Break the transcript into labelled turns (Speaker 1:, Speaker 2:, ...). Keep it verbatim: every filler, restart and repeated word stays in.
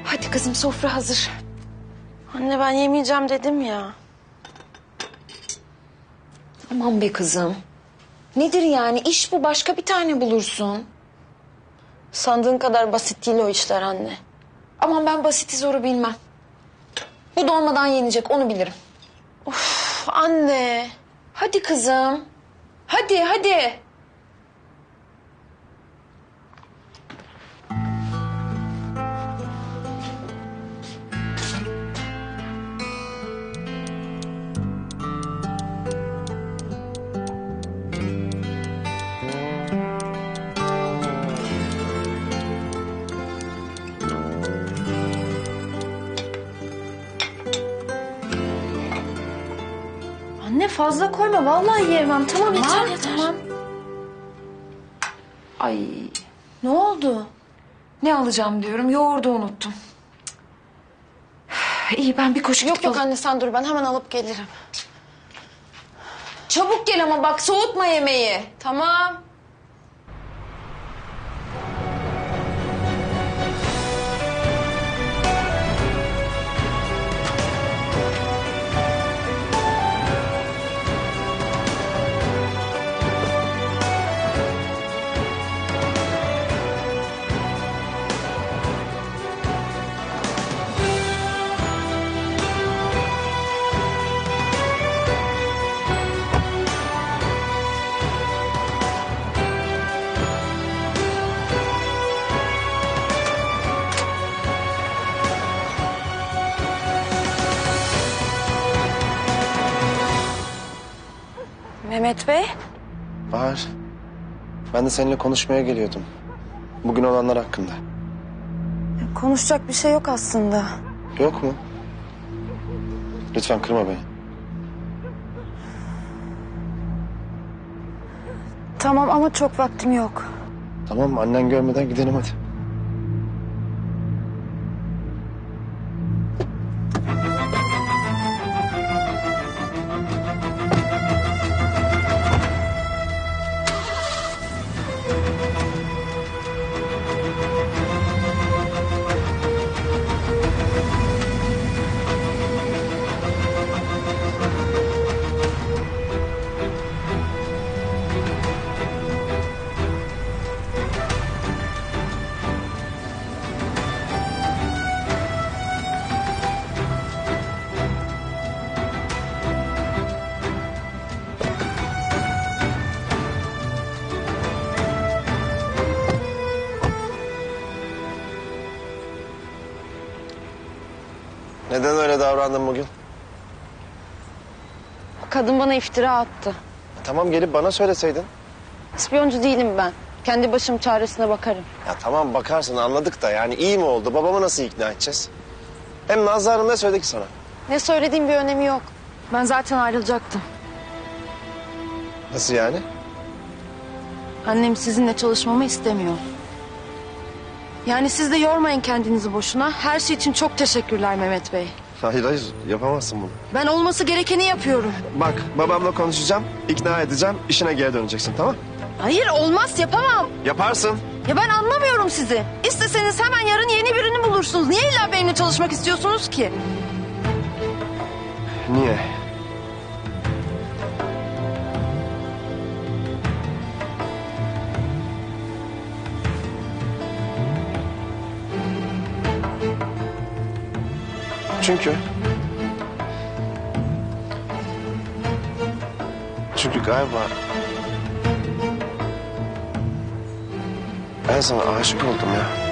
Speaker 1: Hadi kızım, sofra hazır.
Speaker 2: Anne ben yemeyeceğim dedim ya.
Speaker 1: Aman be kızım. Nedir yani? İş bu, başka bir tane bulursun.
Speaker 2: Sandığın kadar basit değil o işler anne.
Speaker 1: Aman ben basiti zoru bilmem. Bu dolmadan yenecek, onu bilirim.
Speaker 2: Of anne.
Speaker 1: Hadi kızım. Hadi hadi.
Speaker 2: Anne fazla koyma vallahi yemem. Tamam yeter
Speaker 1: Tamam,
Speaker 2: yeter.
Speaker 1: tamam. Ay,
Speaker 2: Ne oldu?
Speaker 1: ne alacağım diyorum, yoğurdu unuttum. İyi, ben bir koşu
Speaker 2: Yok
Speaker 1: gidip
Speaker 2: yok
Speaker 1: alayım.
Speaker 2: anne sen dur ben hemen alıp gelirim.
Speaker 1: Çabuk gel ama bak, soğutma yemeği.
Speaker 2: Tamam. Mehmet Bey.
Speaker 3: Bahar, ben de seninle konuşmaya geliyordum. Bugün olanlar hakkında.
Speaker 2: Konuşacak bir şey yok aslında.
Speaker 3: Yok mu? Lütfen kırma beni.
Speaker 2: Tamam ama çok vaktim yok.
Speaker 3: Tamam mı? Annen görmeden gidelim hadi. Neden öyle davrandın bugün?
Speaker 2: Kadın bana iftira attı.
Speaker 3: Tamam gelip bana söyleseydin.
Speaker 2: İspiyoncu değilim ben. Kendi başım çaresine bakarım.
Speaker 3: Ya tamam bakarsın anladık da yani iyi mi oldu? Babamı nasıl ikna edeceğiz? Hem Nazlı Hanım ne söyledi ki sana?
Speaker 2: Ne söylediğim bir önemi yok. Ben zaten ayrılacaktım.
Speaker 3: Nasıl yani?
Speaker 2: Annem sizinle çalışmamı istemiyor. Yani siz de yormayın kendinizi boşuna. Her şey için çok teşekkürler Mehmet Bey.
Speaker 3: Hayır hayır yapamazsın bunu.
Speaker 2: Ben olması gerekeni yapıyorum.
Speaker 3: Bak babamla konuşacağım, ikna edeceğim, işine geri döneceksin tamam?
Speaker 2: Hayır olmaz yapamam.
Speaker 3: Yaparsın.
Speaker 2: Ya ben anlamıyorum sizi. İsteseniz hemen yarın yeni birini bulursunuz. Niye illa benimle çalışmak istiyorsunuz ki?
Speaker 3: Niye? Çünkü... Çünkü galiba... Ben sana aşık oldum ya.